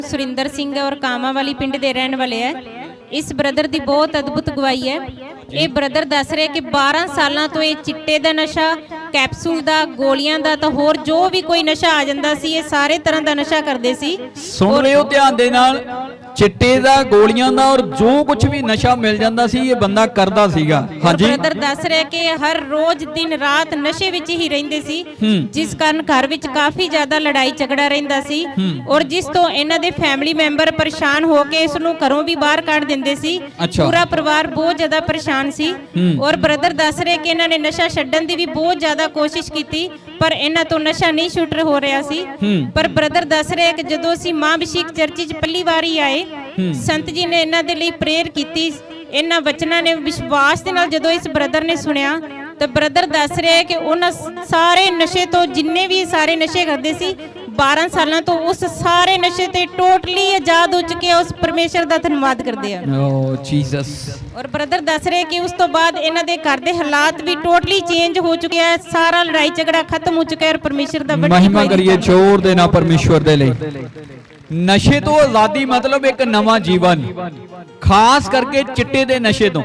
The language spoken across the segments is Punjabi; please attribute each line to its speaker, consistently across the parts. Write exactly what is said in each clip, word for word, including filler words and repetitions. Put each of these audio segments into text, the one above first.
Speaker 1: सुरिंदर सिंह और कामा वाली पिंड के रहने वाले है। इस ब्रदर की बहुत अद्भुत गवाही है। ये ब्रदर दस रहे कि बारह सालों तो ये चिट्टे का नशा, कैप्सूल का, गोलियां का, तो होर जो भी कोई नशा आ जाता सी, ये सारे तरह का नशा करते सी।
Speaker 2: सुन लियो ध्यान दे नाल, चिट्टे दा, गोलियां दा और जो कुछ भी नशा मिल जाता सी ये बंदा करदा सीगा। हाँ जी,
Speaker 1: ब्रदर दस रहे कि हर रोज दिन रात नशे विच ही रहिंदे सी, जिस कारण घर विच काफी ज्यादा लड़ाई झगड़ा रहिंदा सी और जिस तो इन्हां दे फैमिली मैंबर परेशान होके इस नूं घरों भी बाहर कढ दिंदे सी।
Speaker 2: अच्छा।
Speaker 1: पूरा परिवार बहुत ज्यादा परेशान सी और ब्रदर दस रहे कि इन्हां ने नशा छड्डण दी भी बहुत ज्यादा कोशिश कीती पर इन्हां तो नशा नहीं छुट हो रहा सी। पर ब्रदर दस रहे कि जदों असीं मां अभिषेक चर्च च पहली वारी आए, संत जी ने इन्हां दे लई प्रेयर कीती। इन्हां वचनां ने विश्वास दे नाल जदों इस ब्रदर ने सुनिया तो ब्रदर दस रहे कि उन्हां सारे नशे तो, जिन्ने भी सारे नशे करदे सी, बारह साल तो उस सारे नशे ते टोटली आजाद हो चुके, उस परमेश्वर दा धन्यवाद करदे आ।
Speaker 2: ओ जीसस।
Speaker 1: और ब्रदर दस रहे कि उस तो बाद इन्हां दे घर दे हालात भी टोटली चेंज हो चुके हैं, सारा लड़ाई झगड़ा खत्म हो चुका है और परमेश्वर दा बड़ी
Speaker 2: महिमा करिए जोर देना परमेश्वर दे लई। नशे तो आजादी मतलब एक नवा जीवन, खास करके चिट्टे दे नशे तो।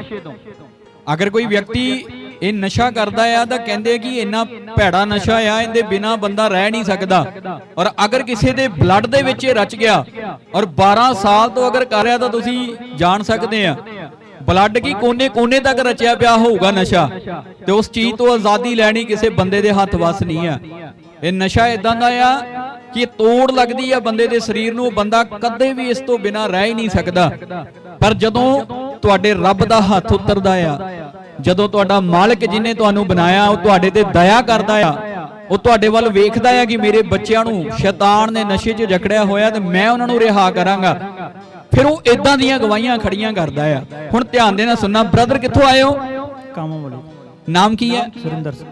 Speaker 2: अगर कोई व्यक्ति ਇਹ ਨਸ਼ਾ ਕਰਦਾ ਆ ਤਾਂ ਕਹਿੰਦੇ ਕਿ ਇੰਨਾ ਭੈੜਾ ਨਸ਼ਾ ਆ, ਇਹਦੇ ਬਿਨਾ ਬੰਦਾ ਰਹਿ ਨਹੀਂ ਸਕਦਾ। ਔਰ ਅਗਰ ਕਿਸੇ ਦੇ ਬਲੱਡ ਦੇ ਵਿੱਚ ਇਹ ਰਚ ਗਿਆ ਔਰ ਬਾਰਾਂ ਸਾਲ ਤੋਂ ਅਗਰ ਕਰ ਰਿਹਾ ਤਾਂ ਤੁਸੀਂ ਜਾਣ ਸਕਦੇ ਆ ਬਲੱਡ ਕੀ ਕੋਨੇ ਕੋਨੇ ਤੱਕ ਰਚਿਆ ਪਿਆ ਹੋਊਗਾ ਨਸ਼ਾ, ਤੇ ਉਸ ਚੀਜ਼ ਤੋਂ ਆਜ਼ਾਦੀ ਲੈਣੀ ਕਿਸੇ ਬੰਦੇ ਦੇ ਹੱਥ ਵੱਸ ਨਹੀਂ ਆ। ਇਹ ਨਸ਼ਾ ਇਦਾਂ ਦਾ ਆ ਕਿ ਤੋੜ ਲੱਗਦੀ ਆ ਬੰਦੇ ਦੇ ਸਰੀਰ ਨੂੰ, ਬੰਦਾ ਕਦੇ ਵੀ ਇਸ ਤੋਂ ਬਿਨਾ ਰਹਿ ਹੀ ਨਹੀਂ ਸਕਦਾ। ਪਰ ਜਦੋਂ ਤੁਹਾਡੇ ਰੱਬ ਦਾ ਹੱਥ ਉਤਰਦਾ ਆ, ਜਦੋਂ ਤੁਹਾਡਾ ਮਾਲਕ ਜਿਹਨੇ ਤੁਹਾਨੂੰ ਬਣਾਇਆ ਉਹ ਤੁਹਾਡੇ ਤੇ ਦਇਆ ਕਰਦਾ ਆ, ਉਹ ਤੁਹਾਡੇ ਵੱਲ ਵੇਖਦਾ ਆ ਕਿ ਮੇਰੇ ਬੱਚਿਆਂ ਨੂੰ ਸ਼ੈਤਾਨ ਨੇ ਨਸ਼ੇ 'ਚ ਜਕੜਿਆ ਹੋਇਆ ਤੇ ਮੈਂ ਉਹਨਾਂ ਨੂੰ ਰਿਹਾ ਕਰਾਂਗਾ, ਫਿਰ ਉਹ ਇਦਾਂ ਦੀਆਂ ਗਵਾਹੀਆਂ ਖੜੀਆਂ ਕਰਦਾ ਆ। ਹੁਣ ਧਿਆਨ ਦੇ ਨਾਲ ਸੁਣਨਾ। ਬ੍ਰਦਰ ਕਿੱਥੋਂ ਆਏ ਹੋ?
Speaker 3: ਕਾਮਾ ਵਾਲੀ।
Speaker 2: ਨਾਮ ਕੀ ਹੈ?
Speaker 3: ਸੁਰਿੰਦਰ ਸਿੰਘ।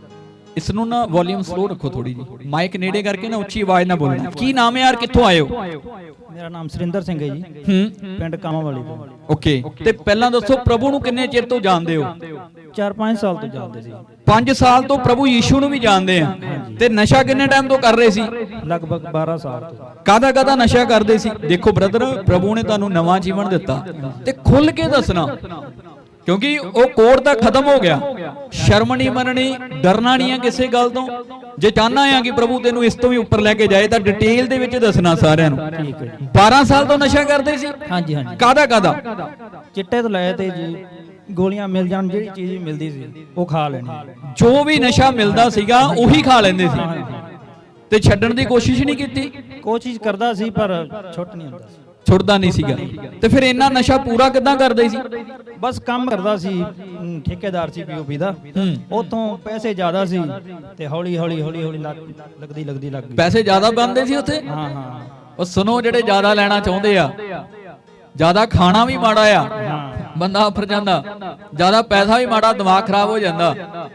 Speaker 2: ਇਸ ਨੂੰ ਨਾ ਵੋਲਿਊਮ ਸਲੋ ਰੱਖੋ ਥੋੜੀ ਜੀ, ਮਾਈਕ ਨੇੜੇ ਕਰਕੇ ਨਾ ਉੱਚੀ ਆਵਾਜ਼ ਨਾਲ ਬੋਲਣਾ। ਕੀ ਨਾਮ ਹੈ ਯਾਰ, ਕਿੱਥੋਂ ਆਏ ਹੋ?
Speaker 3: ਮੇਰਾ ਨਾਮ ਸੁਰਿੰਦਰ ਸਿੰਘ ਹੈ ਜੀ,
Speaker 2: ਹੂੰ,
Speaker 3: ਪਿੰਡ ਕਾਮਾ ਵਾਲੀ ਤੋਂ।
Speaker 2: ਓਕੇ। ਤੇ ਪਹਿਲਾਂ ਦੱਸੋ ਪ੍ਰਭੂ ਨੂੰ ਕਿੰਨੇ ਚਿਰ ਤੋਂ ਜਾਣਦੇ ਹੋ?
Speaker 3: ਚਾਰ ਪੰਜ ਸਾਲ ਤੋਂ ਜਾਣਦੇ ਸੀ।
Speaker 2: ਪੰਜ ਸਾਲ ਤੋਂ ਪ੍ਰਭੂ ਯੀਸ਼ੂ ਨੂੰ ਵੀ ਜਾਣਦੇ ਆ। ਤੇ ਨਸ਼ਾ ਕਿੰਨੇ ਟਾਈਮ ਤੋਂ ਕਰ ਰਹੇ ਸੀ?
Speaker 3: ਲਗਭਗ ਬਾਰਾਂ ਸਾਲ ਤੋਂ।
Speaker 2: ਕਾਹਦਾ ਕਾਹਦਾ ਨਸ਼ਾ ਕਰਦੇ ਸੀ? ਦੇਖੋ ਬ੍ਰਦਰ, ਪ੍ਰਭੂ ਨੇ ਤੁਹਾਨੂੰ ਨਵਾਂ ਜੀਵਨ ਦਿੱਤਾ ਤੇ ਖੁੱਲ ਕੇ ਦੱਸਣਾ, ਕਿਉਂਕਿ ਉਹ ਕੋੜ ਤਾਂ ਖਤਮ ਹੋ ਗਿਆ। ਸ਼ਰਮ ਨਹੀਂ ਮੰਨਣੀ, ਡਰਨਾ ਨਹੀਂ ਆ ਕਿਸੇ ਗੱਲ ਤੋਂ। ਜੇ ਚਾਹਨਾ ਆ ਕਿ ਪ੍ਰਭੂ ਤੈਨੂੰ ਇਸ ਤੋਂ ਵੀ ਉੱਪਰ ਲੈ ਕੇ ਜਾਏ ਤਾਂ ਡਿਟੇਲ ਦੇ ਵਿੱਚ ਦੱਸਣਾ ਸਾਰਿਆਂ ਨੂੰ।
Speaker 3: ਠੀਕ ਹੈ ਜੀ।
Speaker 2: ਬਾਰਾਂ ਸਾਲ ਤੋਂ ਨਸ਼ਾ ਕਰਦੇ ਸੀ?
Speaker 3: ਹਾਂਜੀ ਹਾਂਜੀ।
Speaker 2: ਕਾਹਦਾ ਕਾਹਦਾ?
Speaker 3: ਚਿੱਟੇ ਤੋਂ ਲੈ ਤੇ ਜੀ ਗੋਲੀਆਂ ਮਿਲ ਜਾਣ, ਜਿਹੜੀ ਚੀਜ਼ ਵੀ ਮਿਲਦੀ ਸੀ ਉਹ ਖਾ ਲੈਣੀ।
Speaker 2: ਜੋ ਵੀ ਨਸ਼ਾ ਮਿਲਦਾ ਸੀਗਾ ਉਹੀ ਖਾ ਲੈਂਦੇ ਸੀ ਤੇ ਛੱਡਣ ਦੀ ਕੋਸ਼ਿਸ਼ ਨਹੀਂ ਕੀਤੀ?
Speaker 3: ਕੋਸ਼ਿਸ਼ ਕਰਦਾ ਸੀ ਪਰ ਛੁੱਟ ਨਹੀਂ ਹੁੰਦਾ ਸੀ,
Speaker 2: ਛੁੱਟਦਾ ਨਹੀਂ ਸੀਗਾ। ਤੇ ਫਿਰ ਇੰਨਾ ਨਸ਼ਾ ਪੂਰਾ ਕਿੱਦਾਂ ਕਰਦੇ ਸੀ?
Speaker 3: ਬਸ ਕੰਮ ਕਰਦਾ ਸੀ, ਅਮ, ਠੇਕੇਦਾਰ ਸੀ ਪੀਓਪੀ ਦਾ। ਉਤੋਂ ਪੈਸੇ ਜ਼ਿਆਦਾ ਸੀ ਤੇ ਹੌਲੀ ਹੌਲੀ ਹੌਲੀ ਹੌਲੀ ਲੱਗਦੀ ਲੱਗਦੀ ਲੱਗ ਗਈ।
Speaker 2: ਪੈਸੇ ਜ਼ਿਆਦਾ ਬਣਦੇ ਸੀ ਉੱਥੇ?
Speaker 3: ਹਾਂ ਹਾਂ।
Speaker 2: ਉਹ ਸੁਣੋ, ਜਿਹੜੇ ਜ਼ਿਆਦਾ ਲੈਣਾ ਚਾਹੁੰਦੇ ਆ, ਜ਼ਿਆਦਾ ਖਾਣਾ ਵੀ ਮਾੜਾ ਆ, ਬੰਦਾ ਆਫਰ ਜਾਂਦਾ, ਜ਼ਿਆਦਾ ਪੈਸਾ ਵੀ ਮਾੜਾ, ਦਿਮਾਗ ਖਰਾਬ ਹੋ ਜਾਂਦਾ।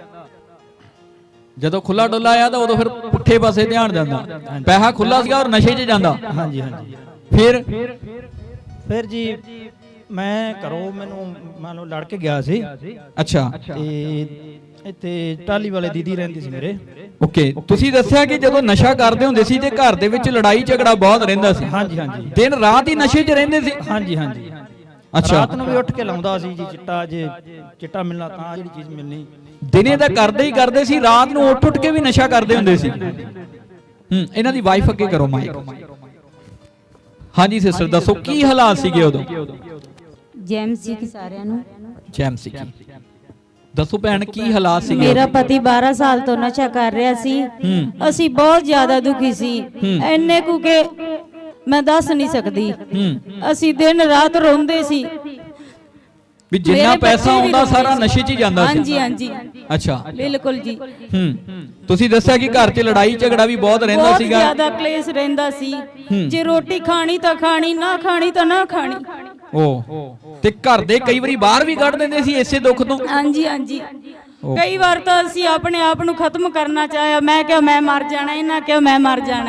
Speaker 2: ਜਦੋਂ ਖੁੱਲਾ ਡੁੱਲਾ ਆ ਤਾਂ ਉਦੋਂ ਫਿਰ ਪੁੱਠੇ ਪਾਸੇ ਧਿਆਨ ਜਾਂਦਾ। ਪੈਸਾ ਖੁੱਲਾ ਸੀਗਾ ਔਰ ਨਸ਼ੇ 'ਚ ਜਾਂਦਾ।
Speaker 3: ਹਾਂਜੀ ਹਾਂਜੀ।
Speaker 2: ਫਿਰ
Speaker 3: ਫਿਰ ਜੀ ਮੈਂ ਘਰੋਂ, ਮੈਨੂੰ ਮੰਨ ਲਓ ਲੜ ਕੇ ਗਿਆ ਸੀ।
Speaker 2: ਅੱਛਾ।
Speaker 3: ਤੇ ਇੱਥੇ ਟਾਲੀ ਵਾਲੇ ਦੀਦੀ ਰਹਿੰਦੀ ਸੀ ਮੇਰੇ।
Speaker 2: ਓਕੇ। ਤੁਸੀਂ ਦੱਸਿਆ ਕਿ ਜਦੋਂ ਨਸ਼ਾ ਕਰਦੇ ਹੁੰਦੇ ਸੀ ਤੇ ਘਰ ਦੇ ਵਿੱਚ ਲੜਾਈ ਝਗੜਾ ਬਹੁਤ ਰਹਿੰਦਾ ਸੀ।
Speaker 3: ਹਾਂਜੀ ਹਾਂਜੀ।
Speaker 2: ਦਿਨ ਰਾਤ ਹੀ ਨਸ਼ੇ 'ਚ ਰਹਿੰਦੇ ਸੀ?
Speaker 3: ਹਾਂਜੀ ਹਾਂਜੀ।
Speaker 2: ਅੱਛਾ।
Speaker 3: ਰਾਤ ਨੂੰ ਵੀ ਉੱਠ ਕੇ ਲਾਉਂਦਾ ਸੀ ਜੀ ਚਿੱਟਾ, ਜੇ ਚਿੱਟਾ ਮਿਲਣਾ ਤਾਂ ਜਿਹੜੀ ਚੀਜ਼ ਮਿਲਣੀ।
Speaker 2: ਦਿਨੇ ਤਾਂ ਕਰਦੇ ਹੀ ਕਰਦੇ ਸੀ, ਰਾਤ ਨੂੰ ਉੱਠ ਉੱਠ ਕੇ ਵੀ ਨਸ਼ਾ ਕਰਦੇ ਹੁੰਦੇ ਸੀ। ਹੂੰ, ਇਹਨਾਂ ਦੀ ਵਾਈਫ ਅੱਗੇ ਕਰੋ ਮਾਈਕ। ਹਾਂਜੀ ਸਿਸਟਰ, ਦੱਸੋ ਕੀ ਹਾਲਾਤ ਸੀਗੇ ਉਦੋਂ?
Speaker 4: ਜੈਮ ਸੀ ਕਿ ਸਾਰਿਆਂ ਨੂੰ
Speaker 2: ਜੈਮ ਸੀ। ਦੱਸੋ ਭੈਣ, ਕੀ ਹਾਲਾਤ ਸੀਗੇ?
Speaker 4: ਮੇਰਾ ਪਤੀ ਬਾਰਾਂ ਸਾਲ ਤੋਂ ਨਸ਼ਾ ਕਰ ਰਿਹਾ ਸੀ। ਅਸੀਂ ਬਹੁਤ ਜ਼ਿਆਦਾ ਦੁਖੀ ਸੀ, ਇੰਨੇ ਕੁ ਕਿ ਮੈਂ ਦੱਸ ਨਹੀਂ ਸਕਦੀ। ਅਸੀਂ ਦਿਨ ਰਾਤ ਰੋਂਦੇ ਸੀ
Speaker 2: ਵੀ ਜਿੰਨਾ ਪੈਸਾ ਆਉਂਦਾ ਸਾਰਾ ਨਸ਼ੇ 'ਚ ਹੀ ਜਾਂਦਾ ਸੀ।
Speaker 4: ਹਾਂਜੀ ਹਾਂਜੀ।
Speaker 2: ਅੱਛਾ,
Speaker 4: ਬਿਲਕੁਲ ਜੀ।
Speaker 2: ਹੂੰ, ਤੁਸੀਂ ਦੱਸਿਆ ਕਿ ਘਰ 'ਚ ਲੜਾਈ ਝਗੜਾ ਵੀ ਬਹੁਤ ਰਹਿੰਦਾ ਸੀਗਾ।
Speaker 4: ਬਹੁਤ ਜ਼ਿਆਦਾ ਕਲੇਸ਼ ਰਹਿੰਦਾ ਸੀ। ਜੇ ਰੋਟੀ ਖਾਣੀ ਤਾਂ ਖਾਣੀ, ਨਾ ਖਾਣੀ ਤਾਂ ਨਾ ਖਾਣੀ।
Speaker 2: ਓ, ਤੇ ਘਰ ਦੇ ਕਈ ਵਾਰੀ ਬਾਹਰ ਵੀ ਕੱਢ ਦਿੰਦੇ ਸੀ ਇਸੇ ਦੁੱਖ ਤੋਂ?
Speaker 4: ਹਾਂਜੀ ਹਾਂਜੀ। ਕਈ ਵਾਰ ਤਾਂ ਅਸੀਂ ਆਪਣੇ ਆਪ ਨੂੰ ਖਤਮ ਕਰਨਾ ਚਾਹਿਆ। ਮੈਂ ਕਿਹਾ ਮੈਂ ਮਰ ਜਾਣਾ, ਇਹਨਾਂ ਕਿਹਾ ਮੈਂ ਮਰ ਜਾਣਾ।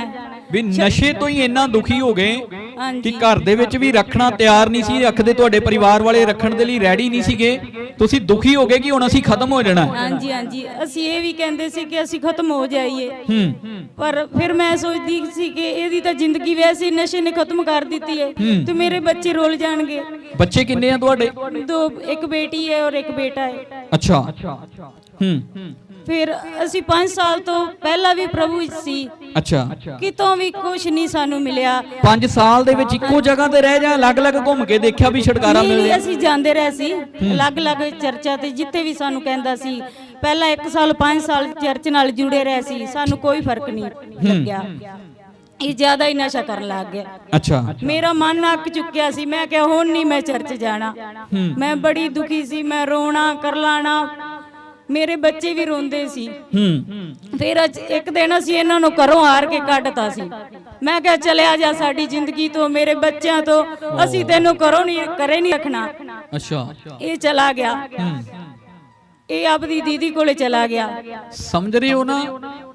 Speaker 2: ਵੀ ਨਸ਼ੇ ਤੋਂ ਹੀ ਇੰਨਾ ਦੁਖੀ ਹੋ ਗਏ
Speaker 4: ਹਾਂਜੀ
Speaker 2: ਕਿ ਘਰ ਦੇ ਵਿੱਚ ਵੀ ਰੱਖਣਾ ਤਿਆਰ ਨਹੀਂ ਸੀ ਰੱਖਦੇ, ਤੁਹਾਡੇ ਪਰਿਵਾਰ ਵਾਲੇ ਰੱਖਣ ਦੇ ਲਈ ਰੈਡੀ ਨਹੀਂ ਸੀਗੇ, ਤੁਸੀਂ ਦੁਖੀ ਹੋ ਗਏ ਕਿ ਹੁਣ ਅਸੀਂ ਖਤਮ ਹੋ ਜਾਣਾ।
Speaker 4: ਹਾਂਜੀ ਹਾਂਜੀ ਅਸੀਂ ਇਹ ਵੀ ਕਹਿੰਦੇ ਸੀ ਕਿ ਅਸੀਂ ਖਤਮ ਹੋ ਜਾਈਏ,
Speaker 2: ਹੂੰ
Speaker 4: ਪਰ ਫਿਰ ਮੈਂ ਸੋਚਦੀ ਸੀ ਕਿ ਇਹਦੀ ਤਾਂ ਜ਼ਿੰਦਗੀ ਵੈਸੇ ਨਸ਼ੇ ਨੇ ਖਤਮ ਕਰ ਦਿੱਤੀ ਹੈ ਤੇ ਮੇਰੇ ਬੱਚੇ ਰੁੱਲ ਜਾਣਗੇ।
Speaker 2: ਬੱਚੇ ਕਿੰਨੇ ਆ ਤੁਹਾਡੇ?
Speaker 4: ਦੋ, ਇੱਕ ਬੇਟੀ ਹੈ ਔਰ ਇੱਕ ਬੇਟਾ ਹੈ।
Speaker 2: ਅੱਛਾ ਹੂੰ
Speaker 4: ਫਿਰ ਅਸੀਂ ਪੰਜ ਸਾਲ ਤੋਂ ਪਹਿਲਾਂ ਵੀ ਪ੍ਰਭੂ ਵਿੱਚ ਸੀ,
Speaker 2: ਅੱਛਾ
Speaker 4: ਕਿਤੋਂ ਵੀ ਕੁਝ ਨਹੀਂ ਸਾਨੂੰ ਮਿਲਿਆ।
Speaker 2: ਪੰਜ ਸਾਲ ਦੇ ਵਿੱਚ ਇੱਕੋ ਜਗ੍ਹਾ ਤੇ ਰਹਿ ਜਾ, ਅਲੱਗ-ਅਲੱਗ ਘੁੰਮ ਕੇ ਦੇਖਿਆ ਵੀ ਛੁਟਕਾਰਾ
Speaker 4: ਨਹੀਂ,
Speaker 2: ਮਿਲ
Speaker 4: ਨਹੀਂ,
Speaker 2: ਰਿਹਾ?
Speaker 4: ਅਸੀਂ ਜਾਂਦੇ ਰਹੇ ਸੀ ਅਲੱਗ-ਅਲੱਗ ਚਰਚਾਂ ਤੇ, ਜਿੱਥੇ ਵੀ ਸਾਨੂੰ ਕਹਿੰਦਾ ਸੀ। ਪਹਿਲਾਂ ਇੱਕ ਸਾਲ ਪੰਜ ਸਾਲ ਚਰਚ ਨਾਲ ਜੁੜੇ ਰਹੇ ਸੀ, ਸਾਨੂੰ ਕੋਈ ਫਰਕ ਨਹੀਂ ਲੱਗਿਆ। ਇਹ ਜ਼ਿਆਦਾ ਹੀ ਨਸ਼ਾ ਕਰਨ ਲੱਗ ਗਿਆ।
Speaker 2: ਅੱਛਾ
Speaker 4: ਮੇਰਾ ਮਨ ਅੱਕ ਚੁੱਕਿਆ ਸੀ, ਮੈਂ ਕਿਹਾ ਹੁਣ ਨਹੀਂ ਮੈਂ ਚਰਚ ਜਾਣਾ। ਮੈਂ ਬੜੀ ਦੁਖੀ ਸੀ, ਮੈਂ ਰੋਣਾ ਕਰਲਾਣਾ, ਮੇਰੇ ਬੱਚੇ ਵੀ ਰੋਂਦੇ ਸੀ।
Speaker 2: ਹੂੰ
Speaker 4: ਫਿਰ ਅੱਜ ਇੱਕ ਦਿਨ ਅਸੀਂ ਇਹਨਾਂ ਨੂੰ ਘਰੋਂ ਹਾਰ ਕੇ ਕੱਢਤਾ ਸੀ। ਮੈਂ ਕਿਹਾ ਚਲਿਆ ਜਾ ਸਾਡੀ ਜ਼ਿੰਦਗੀ ਤੋਂ, ਮੇਰੇ ਬੱਚਿਆਂ ਤੋਂ, ਅਸੀਂ ਤੈਨੂੰ ਘਰੋਂ ਨਹੀਂ ਘਰੇ ਨਹੀਂ ਰੱਖਣਾ।
Speaker 2: ਅੱਛਾ
Speaker 4: ਇਹ ਚਲਾ ਗਿਆ, ਇਹ ਆਪਦੀ ਦੀਦੀ ਕੋਲੇ ਚਲਾ ਗਿਆ।
Speaker 2: ਸਮਝ ਰਹੇ ਹੋ ਨਾ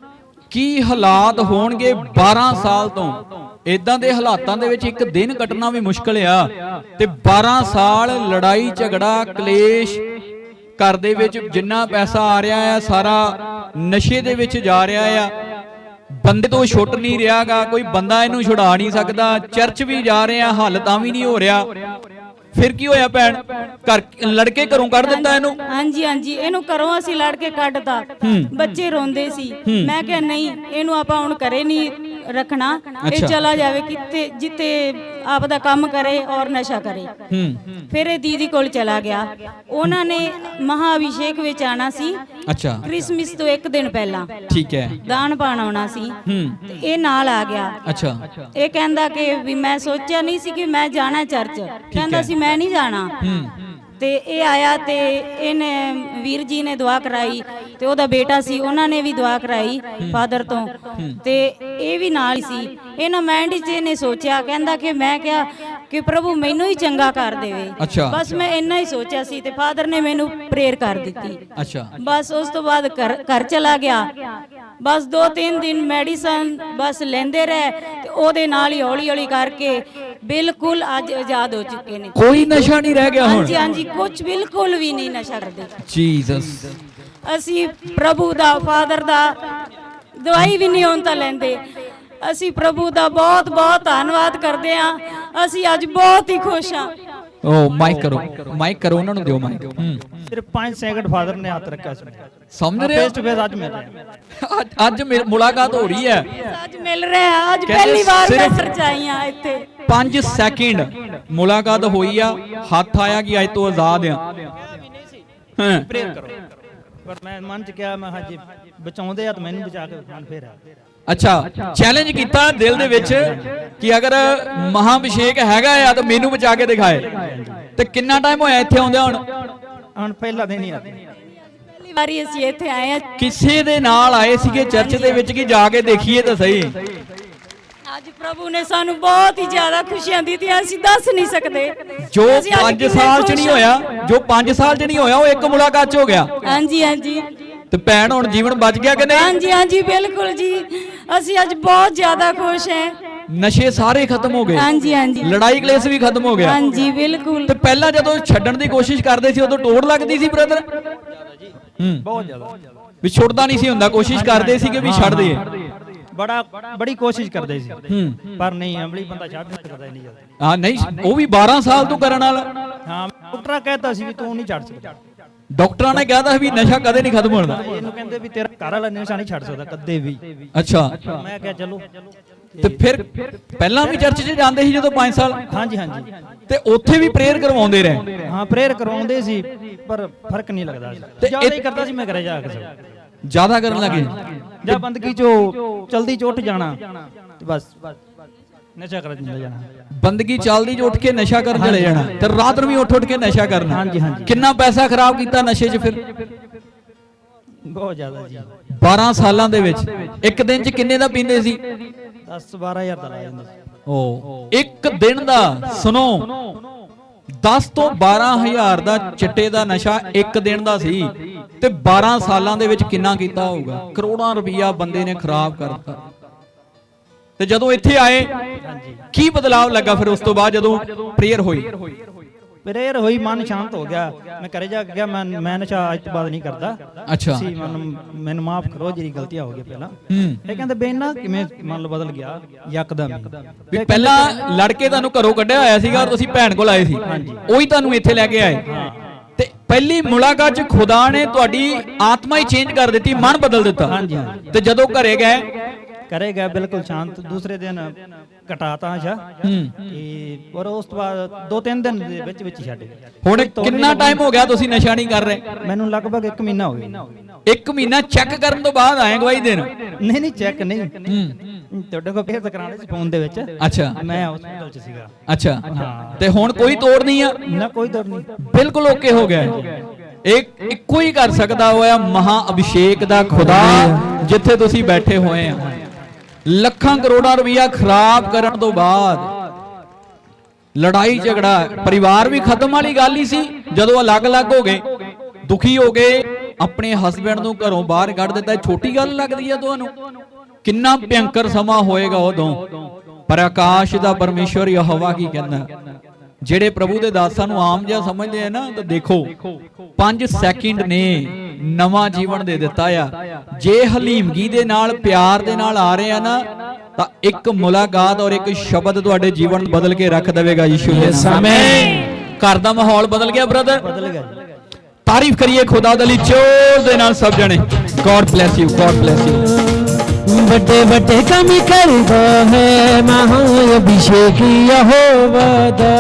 Speaker 2: ਕੀ ਹਾਲਾਤ ਹੋਣਗੇ ਬਾਰਾਂ ਸਾਲ ਤੋਂ? ਇਦਾਂ ਦੇ ਹਾਲਾਤਾਂ ਦੇ ਵਿੱਚ ਇੱਕ ਦਿਨ ਕੱਟਣਾ ਵੀ ਮੁਸ਼ਕਲ ਆ, ਤੇ ਬਾਰਾਂ ਸਾਲ ਲੜਾਈ ਝਗੜਾ ਕਲੇਸ਼, ਘਰ ਦੇ ਵਿੱਚ ਜਿੰਨਾ ਪੈਸਾ ਆ ਰਿਹਾ ਆ ਸਾਰਾ ਨਸ਼ੇ ਦੇ ਵਿੱਚ ਜਾ ਰਿਹਾ ਆ, ਬੰਦੇ ਤੋਂ ਛੁੱਟ ਨਹੀਂ ਰਿਹਾਗਾ, ਕੋਈ ਬੰਦਾ ਇਹਨੂੰ ਛੁਡਾ ਨਹੀਂ ਸਕਦਾ, ਚਰਚ ਵੀ ਜਾ ਰਹੇ ਆ ਹੱਲ ਤਾਂ ਵੀ ਨਹੀਂ ਹੋ ਰਿਹਾ। ਫਿਰ ਕੀ ਹੋਇਆ ਭੈਣ? ਘਰ ਲੜਕੇ ਘਰੋਂ ਕੱਢ ਦਿੱਤਾ ਇਹਨੂੰ?
Speaker 4: ਹਾਂਜੀ ਹਾਂਜੀ ਇਹਨੂੰ ਘਰੋਂ ਅਸੀਂ ਲੜ ਕੇ ਕੱਢਤਾ। ਬੱਚੇ ਰੋਂਦੇ ਸੀ, ਮੈਂ ਕਿਹਾ ਨਹੀਂ ਇਹਨੂੰ ਆਪਾਂ ਹੁਣ ਘਰੇ ਨਹੀਂ ਰੱਖਣਾ, ਇਹ ਚਲਾ ਜਾਵੇ ਕਿਤੇ ਜਿੱਤੇ ਆਪ ਦਾ ਕੰਮ ਕਰੇ ਔਰ ਨਸ਼ਾ ਕਰੇ। ਫਿਰ ਇਹ ਦੀਦੀ ਕੋਲ ਚਲਾ ਗਿਆ। ਉਹਨਾਂ ਨੇ ਮਹਾ ਅਭਿਸ਼ੇਕ ਵਿੱਚ ਆਣਾ ਸੀ,
Speaker 2: ਅੱਛਾ
Speaker 4: ਕ੍ਰਿਸਮਸ ਤੋਂ ਇੱਕ ਦਿਨ ਪਹਿਲਾਂ,
Speaker 2: ਠੀਕ ਹੈ,
Speaker 4: ਦਾਨ ਪਾਣ ਆਉਣਾ ਸੀ, ਤੇ ਇਹ ਨਾਲ ਆ ਗਿਆ।
Speaker 2: ਅੱਛਾ
Speaker 4: ਇਹ ਕਹਿੰਦਾ ਕਿ ਵੀ ਮੈਂ ਸੋਚਿਆ ਨਹੀਂ ਸੀ ਕਿ ਮੈਂ ਜਾਣਾ ਚਰਚ, ਕਹਿੰਦਾ ਸੀ ਮੈਂ ਨਹੀਂ ਜਾਣਾ। ਤੇ ਇਹ ਆਇਆ ਤੇ ਇਹਨੇ ਵੀਰ ਜੀ ਨੇ ਦੁਆ ਕਰਾਈ, ਤੇ ਉਹਦਾ ਬੇਟਾ ਸੀ ਉਹਨਾਂ ਨੇ ਵੀ ਦੁਆ ਕਰਾਈ ਫਾਦਰ ਤੋਂ, ਤੇ ਇਹ ਵੀ ਨਾਲ ਸੀ। ਇਹਨਾਂ ਮਾਈਂਡ 'ਚ ਇਹਨੇ ਸੋਚਿਆ, ਕਹਿੰਦਾ ਕਿ ਮੈਂ ਕਿਹਾ ਕਿ ਪ੍ਰਭੂ ਮੈਨੂੰ ਹੀ ਚੰਗਾ ਕਰ ਦੇਵੇ, ਬਸ ਮੈਂ ਇੰਨਾ ਹੀ ਸੋਚਿਆ ਸੀ। ਤੇ ਫਾਦਰ ਨੇ ਮੈਨੂੰ ਪ੍ਰੇਅਰ ਕਰ ਦਿੱਤੀ।
Speaker 2: ਅੱਛਾ
Speaker 4: ਬਸ ਉਸ ਤੋਂ ਬਾਅਦ ਘਰ ਘਰ ਚਲਾ ਗਿਆ। ਬਸ ਦੋ ਤਿੰਨ ਦਿਨ ਮੈਡੀਸਨ ਬਸ ਲੈਂਦੇ ਰਹੇ, ਤੇ ਉਹਦੇ ਨਾਲ ਹੀ ਹੌਲੀ ਹੌਲੀ ਕਰਕੇ ਬਿਲਕੁਲ ਅੱਜ ਆਜ਼ਾਦ ਹੋ ਚੁੱਕੇ ਨੇ।
Speaker 2: ਕੋਈ ਨਸ਼ਾ ਨਹੀਂ ਰਹਿ ਗਿਆ ਹੁਣ?
Speaker 4: ਹਾਂਜੀ ਹਾਂਜੀ ਕੁਝ ਬਿਲਕੁਲ ਵੀ ਨਹੀਂ ਨਸ਼ਾ ਕਰਦੇ।
Speaker 2: ਜੀਸਸ
Speaker 4: ਅਸੀਂ ਪ੍ਰਭੂ ਦਾ ਫਾਦਰ ਦਾ ਦਵਾਈ ਵੀ ਨਹੀਂ ਹੁਣ ਤਾਂ ਲੈਂਦੇ। ਅਸੀਂ ਪ੍ਰਭੂ ਦਾ ਬਹੁਤ ਬਹੁਤ ਧੰਨਵਾਦ ਕਰਦੇ ਹਾਂ। ਅਸੀਂ ਅੱਜ ਬਹੁਤ ਹੀ ਖੁਸ਼ ਹਾਂ।
Speaker 2: ਓ ਮਾਈਕ ਕਰੋ, ਮਾਈਕ ਕਰੋ, ਉਹਨਾਂ ਨੂੰ ਦਿਓ ਮਾਈਕ।
Speaker 3: ਸਿਰਫ ਪੰਜ ਸੈਕਿੰਡ ਫਾਦਰ ਨੇ ਹੱਥ ਰੱਖਿਆ ਸੀ।
Speaker 2: ਸਮਝ ਰਹੇ ਹੋ?
Speaker 3: ਫੇਸ ਟੂ ਫੇਸ ਅੱਜ ਮਿਲ ਰਿਹਾ,
Speaker 2: ਅੱਜ ਅੱਜ ਮਿਲ- ਮੁਲਾਕਾਤ ਹੋ ਰਹੀ ਹੈ।
Speaker 4: ਅੱਜ ਮਿਲ ਰਿਹਾ, ਅੱਜ
Speaker 2: ਕਹਿੰਦੇ
Speaker 4: ਪਹਿਲੀ ਵਾਰ ਮੈਂ
Speaker 2: ਸਿਰਫ
Speaker 4: ਚਰਚ ਆਈ ਹਾਂ ਇੱਥੇ।
Speaker 2: ਪੰਜ ਸੈਕਿੰਡ ਮੁਲਾਕਾਤ ਹੋਈ ਆ, ਹੱਥ ਆਇਆ ਕਿ ਅੱਜ ਤੋਂ ਆਜ਼ਾਦ ਆ। ਹਾਂ
Speaker 3: ਪ੍ਰੇਅਰ ਕਰੋ। ਪਰ ਮੈਂ ਮਨ ਚ ਕਿਹਾ, ਮੈਂ ਹਾਂਜੀ ਬਚਾਉਂਦੇ ਆ ਤਾਂ ਮੈਨੂੰ ਬਚਾ ਕੇ ਮਨ ਫੇਰ ਆ।
Speaker 2: ਅੱਛਾ ਚੈਲੰਜ ਕੀਤਾ ਦਿਲ ਦੇ ਵਿੱਚ ਕਿ ਅਗਰ ਮਹਾਭਿਸ਼ੇਕ ਹੈਗਾ ਆ ਤਾਂ ਮੈਨੂੰ ਬਚਾ ਕੇ ਦਿਖਾਏ। ਤੇ ਕਿੰਨਾ ਟਾਈਮ ਹੋਇਆ ਇੱਥੇ ਆਉਂਦਿਆਂ ਹੁਣ?
Speaker 3: ਹੁਣ ਪਹਿਲਾ ਦਿਨ ਹੀ ਆ।
Speaker 4: ਪਹਿਲੀ ਵਾਰੀ ਅਸੀਂ ਇੱਥੇ ਆਏ ਹਾਂ।
Speaker 2: ਕਿਸੇ ਦੇ ਨਾਲ ਆਏ ਸੀਗੇ ਚਰਚ ਦੇ ਵਿੱਚ ਕਿ ਜਾ ਕੇ ਦੇਖੀਏ ਤਾਂ ਸਹੀ?
Speaker 4: ਅੱਜ ਪ੍ਰਭੂ ਨੇ ਸਾਨੂੰ ਬਹੁਤ ਹੀ ਜ਼ਿਆਦਾ ਖੁਸ਼ੀਆਂ ਦਿੱਤੀਆਂ, ਅਸੀਂ ਦੱਸ ਨਹੀਂ ਸਕਦੇ।
Speaker 2: ਜੋ
Speaker 4: ਅਸੀਂ ਅੱਜ
Speaker 2: ਪੰਜ
Speaker 4: ਕਿੰਨੇ
Speaker 2: ਸਾਲ ਚ
Speaker 4: ਖੁਸ਼
Speaker 2: ਨਹੀਂ
Speaker 4: ਹਾਂ।
Speaker 2: ਹੋਇਆ, ਜੋ ਪੰਜ ਸਾਲ ਚ ਨਹੀਂ ਹੋਇਆ, ਉਹ ਇੱਕ ਮੁਲਾਕਾਤ ਚ ਹੋ ਗਿਆ।
Speaker 4: ਹਾਂਜੀ ਹਾਂਜੀ
Speaker 2: ਤੇ ਭੈਣ ਹੁਣ ਜੀਵਨ ਬਚ ਗਿਆ ਕਿ ਨਹੀਂ?
Speaker 4: ਹਾਂਜੀ ਹਾਂਜੀ ਬਿਲਕੁਲ ਜੀ, ਅਸੀਂ ਅੱਜ ਬਹੁਤ ਜ਼ਿਆਦਾ ਖੁਸ਼ ਹਾਂ।
Speaker 2: ਨਸ਼ੇ ਸਾਰੇ ਖਤਮ ਹੋ ਗਏ,
Speaker 4: ਹਾਂਜੀ ਹਾਂਜੀ
Speaker 2: ਲੜਾਈ ਕਲੇਸ਼ ਵੀ ਖਤਮ ਹੋ ਗਿਆ।
Speaker 4: ਹਾਂਜੀ ਬਿਲਕੁਲ।
Speaker 2: ਤੇ ਪਹਿਲਾਂ ਜਦੋਂ ਛੱਡਣ ਦੀ ਕੋਸ਼ਿਸ਼ ਕਰਦੇ ਸੀ ਉਦੋਂ ਟੋੜ ਲੱਗਦੀ ਸੀ ਬ੍ਰਦਰ? ਹੂੰ
Speaker 3: ਬਹੁਤ ਜ਼ਿਆਦਾ
Speaker 2: ਵੀ ਛੁੱਟਦਾ ਨਹੀਂ ਸੀ ਹੁੰਦਾ, ਕੋਸ਼ਿਸ਼ ਕਰਦੇ ਸੀ ਕਿ ਵੀ ਛੱਡ ਦਈਏ।
Speaker 3: ਬੜਾ ਬੜੀ ਕੋਸ਼ਿਸ਼ ਕਰਦੇ ਸੀ,
Speaker 2: ਹੂੰ
Speaker 3: ਪਰ ਨਹੀਂ ਅਮਲੀ ਬੰਦਾ ਛੱਡ ਨਹੀਂ ਸਕਦਾ ਇੰਨੀ ਜਲਦੀ।
Speaker 2: ਹਾਂ ਨਹੀਂ, ਉਹ ਵੀ ਬਾਰਾਂ ਸਾਲ ਤੋਂ ਕਰਨ ਵਾਲਾ।
Speaker 3: ਹਾਂ ਡਾਕਟਰ ਕਹਿੰਦਾ ਸੀ ਵੀ ਤੂੰ ਨਹੀਂ ਛੱਡ ਸਕਦਾ।
Speaker 2: ਡਾਕਟਰਾਂ ਨੇ ਕਿਹਾ ਤਾਂ ਵੀ ਨਸ਼ਾ ਕਦੇ ਨਹੀਂ ਖਤਮ ਹੋਣਾ।
Speaker 3: ਇਹਨੂੰ ਕਹਿੰਦੇ ਵੀ ਤੇਰਾ ਘਰ ਵਾਲਾ ਨਸ਼ਾ ਨਹੀਂ ਛੱਡ ਸਕਦਾ ਕਦੇ ਵੀ।
Speaker 2: ਅੱਛਾ
Speaker 3: ਮੈਂ ਕਿਹਾ ਚਲੋ।
Speaker 2: ਤੇ ਫਿਰ ਪਹਿਲਾਂ ਵੀ ਚਰਚ 'ਚ ਜਾਂਦੇ ਸੀ ਜਦੋਂ ਪੰਜ ਸਾਲ?
Speaker 3: ਹਾਂਜੀ ਹਾਂਜੀ
Speaker 2: ਤੇ ਉੱਥੇ ਵੀ ਪ੍ਰੇਅਰ ਕਰਵਾਉਂਦੇ ਰਹੇ?
Speaker 3: ਹਾਂ ਪ੍ਰੇਅਰ ਕਰਵਾਉਂਦੇ ਸੀ, ਪਰ ਫਰਕ ਨਹੀਂ ਲੱਗਦਾ ਸੀ। ਜ਼ਿਆਦਾ ਹੀ ਕਰਦਾ ਸੀ ਮੈਂ ਘਰੇ ਜਾ ਕੇ ਸਭ
Speaker 2: ਜ਼ਿਆਦਾ ਕਰਨ ਲੱਗੇ?
Speaker 3: ਜਾਂ ਬੰਦਗੀ ਚੋਂ ਜਲਦੀ ਚ ਉੱਠ ਜਾਣਾ ਤੇ ਬਸ ਨਸ਼ਾ ਕਰਨ ਚਲੇ ਜਾਣਾ।
Speaker 2: ਬੰਦਗੀ ਚੱਲਦੀ ਚ ਉੱਠ ਕੇ ਨਸ਼ਾ ਕਰਨ ਚਲੇ ਜਾਣਾ, ਤੇ ਰਾਤ ਨੂੰ ਵੀ ਉੱਠ ਉੱਠ ਕੇ ਨਸ਼ਾ ਕਰਨਾ।
Speaker 3: ਹਾਂਜੀ ਹਾਂਜੀ
Speaker 2: ਕਿੰਨਾ ਪੈਸਾ ਖਰਾਬ ਕੀਤਾ ਨਸ਼ੇ 'ਚ ਫਿਰ?
Speaker 3: ਬਹੁਤ ਜ਼ਿਆਦਾ ਜੀ।
Speaker 2: ਬਾਰਾਂ ਸਾਲਾਂ ਦੇ ਵਿੱਚ ਇੱਕ ਦਿਨ 'ਚ ਕਿੰਨੇ ਦਾ ਪੀਂਦੇ ਸੀ?
Speaker 3: ਦਸ ਬਾਰਾਂ ਹਜ਼ਾਰ ਦਾ ਲਾ ਜਾਂਦਾ ਸੀ।
Speaker 2: ਓ ਇੱਕ ਦਿਨ ਦਾ, ਸੁਣੋ, ਦਸ ਤੋਂ ਬਾਰਾਂ ਹਜ਼ਾਰ ਦਾ ਚਿੱਟੇ ਦਾ ਨਸ਼ਾ ਇੱਕ ਦਿਨ ਦਾ ਸੀ, ਤੇ ਬਾਰਾਂ ਸਾਲਾਂ ਦੇ ਵਿੱਚ ਕਿੰਨਾ ਕੀਤਾ ਹੋਊਗਾ? ਕਰੋੜਾਂ ਰੁਪਈਆ ਬੰਦੇ ਨੇ ਖਰਾਬ ਕਰਤਾ। ਤੇ ਜਦੋਂ ਇੱਥੇ ਆਏ ਕੀ ਬਦਲਾਅ ਲੱਗਾ ਫਿਰ ਉਸ ਤੋਂ ਬਾਅਦ ਜਦੋਂ ਪ੍ਰੇਅਰ ਹੋਈ?
Speaker 3: ਪ੍ਰੇਅਰ ਹੋਈ, ਮਨ ਸ਼ਾਂਤ ਹੋ ਗਿਆ। ਮੈਂ ਘਰੇ ਜਾ ਕੇ ਗਿਆ, ਮੈਂ ਮੈਂ ਨਸ਼ਾ ਅੱਜ ਤੋਂ ਬਾਅਦ ਨਹੀਂ ਕਰਦਾ।
Speaker 2: ਅੱਛਾ।
Speaker 3: ਤੁਸੀਂ ਮੈਨੂੰ ਮੈਨੂੰ ਮਾਫ ਕਰੋ, ਜਿਹੜੀ ਗਲਤੀਆਂ ਹੋ ਗਈਆਂ ਪਹਿਲਾਂ।
Speaker 2: ਹੂੰ।
Speaker 3: ਇਹ ਕਹਿੰਦੇ ਬੇਨਾ ਕਿਵੇਂ ਮਨ ਲੋ ਬਦਲ ਗਿਆ ਯਕਦਮ ਹੀ।
Speaker 2: ਵੀ ਪਹਿਲਾਂ ਲੜਕੇ ਤੁਹਾਨੂੰ ਘਰੋਂ ਕੱਢਿਆ ਹੋਇਆ ਸੀਗਾ ਔਰ ਤੁਸੀਂ ਭੈਣ ਕੋਲ ਆਏ ਸੀ, ਉਹੀ ਤੁਹਾਨੂੰ ਇੱਥੇ ਲੈ ਕੇ ਆਏ। ਤੇ ਪਹਿਲੀ ਮੁਲਾਕਾਤ 'ਚ ਖੁਦਾ ਨੇ ਤੁਹਾਡੀ ਆਤਮਾ ਹੀ ਚੇਂਜ ਕਰ ਦਿੱਤੀ, ਮਨ ਬਦਲ ਦਿੱਤਾ।
Speaker 3: ਹਾਂਜੀ।
Speaker 2: ਤੇ ਜਦੋਂ ਘਰੇ ਗਏ
Speaker 3: ਘਰੇ ਗਿਆ ਬਿਲਕੁਲ ਸ਼ਾਂਤ। ਦੂਸਰੇ ਦਿਨ ਘਟਾਤਾ ਨਸ਼ਾ ਤੇ ਔਰ ਉਸ ਤੋਂ ਬਾਅਦ ਦੋ ਤਿੰਨ ਦਿਨ ਦੇ ਵਿੱਚ ਵਿੱਚ ਛੱਡ ਗਿਆ।
Speaker 2: ਹੁਣ ਕਿੰਨਾ ਟਾਈਮ ਹੋ ਗਿਆ ਤੁਸੀਂ ਨਸ਼ਾ ਨਹੀਂ ਕਰ ਰਹੇ?
Speaker 3: ਮੈਨੂੰ ਲਗਭਗ ਇੱਕ ਮਹੀਨਾ ਹੋ ਗਿਆ।
Speaker 2: ਇੱਕ ਮਹੀਨਾ ਚੈੱਕ ਕਰਨ ਤੋਂ ਬਾਅਦ ਆਏ ਗਵਾਹੀ ਦੇਣ?
Speaker 3: ਨਹੀਂ ਨਹੀਂ ਚੈੱਕ ਨਹੀਂ, ਤੁਹਾਡੇ ਕੋਲ ਫੇਰ ਕਰਾਣੇ ਸੀ ਫੋਨ ਦੇ ਵਿੱਚ।
Speaker 2: ਅੱਛਾ।
Speaker 3: ਮੈਂ ਹਸਪੀਟਲ 'ਚ ਸੀਗਾ।
Speaker 2: ਅੱਛਾ। ਤੇ ਹੁਣ ਕੋਈ ਤੋੜ ਨਹੀਂ ਆ?
Speaker 3: ਨਾ ਕੋਈ ਤੋੜ ਨਹੀਂ,
Speaker 2: ਬਿਲਕੁਲ ਓਕੇ ਹੋ ਗਿਆ। ਇੱਕ ਇੱਕੋ ਹੀ ਕਰ ਸਕਦਾ ਹੋਇਆ ਮਹਾ ਅਭਿਸ਼ੇਕ ਦਾ ਖੁਦਾ ਜਿੱਥੇ ਤੁਸੀਂ ਬੈਠੇ ਹੋਏ ਆ। ਲੱਖਾਂ ਕਰੋੜਾਂ ਰੁਪਇਆ ਖਰਾਬ ਕਰਨ ਤੋਂ ਬਾਅਦ ਲੜਾਈ ਝਗੜਾ, ਪਰਿਵਾਰ ਵੀ ਖਤਮ ਵਾਲੀ ਗੱਲ ਹੀ ਸੀ। ਜਦੋਂ ਅਲੱਗ-ਅਲੱਗ ਹੋ ਗਏ, ਦੁਖੀ ਹੋ ਗਏ, ਆਪਣੇ ਹਸਬੰਡ ਨੂੰ ਘਰੋਂ ਬਾਹਰ ਕੱਢ ਦਿੱਤਾ, ਛੋਟੀ ਗੱਲ ਲੱਗਦੀ ਆ ਤੁਹਾਨੂੰ? ਕਿੰਨਾ ਭਿਅੰਕਰ ਸਮਾਂ ਹੋਏਗਾ ਉਦੋਂ। ਪਰ ਆਕਾਸ਼ ਦਾ ਪਰਮੇਸ਼ਵਰ ਯਹੋਵਾ ਕੀ ਕਹਿੰਦਾ? ਜਿਹੜੇ ਪ੍ਰਭੂ ਦੇ ਦਾਸਾਂ ਨੂੰ ਆਮ ਜਿਹਾ ਸਮਝਦੇ ਆ ਨਾ, ਤਾਂ ਦੇਖੋ ਪੰਜ ਸੈਕਿੰਡ ਨੇ ਨਵਾਂ ਜੀਵਨ ਦੇ ਦਿੱਤਾ ਆ। ਜੇ ਹਲੀਮਗੀ ਦੇ ਨਾਲ, ਪਿਆਰ ਦੇ ਨਾਲ ਆ ਰਹੇ ਆ ਨਾ, ਤਾਂ ਇੱਕ ਮੁਲਾਕਾਤ ਔਰ ਇੱਕ ਸ਼ਬਦ ਤੁਹਾਡੇ ਜੀਵਨ ਬਦਲ ਕੇ ਰੱਖ ਦੇਵੇਗਾ ਯਿਸੂ ਦੇ ਨਾਮ। ਘਰ ਦਾ ਮਾਹੌਲ ਬਦਲ ਗਿਆ ਬ੍ਰਦਰ,
Speaker 3: ਬਦਲ ਗਿਆ।
Speaker 2: ਤਾਰੀਫ ਕਰੀਏ ਖੁਦਾ ਦੇ ਲਈ ਜ਼ੋਰ ਦੇ ਨਾਲ ਸਭ ਜਣੇ। God bless you, God bless you.
Speaker 5: ਵੱਡੇ ਵੱਡੇ ਕੰਮ ਕਰਦਾ ਹੈ ਮਹਾ ਅਭਿਸ਼ੇਕ ਯਹੋਵਾ ਦਾ।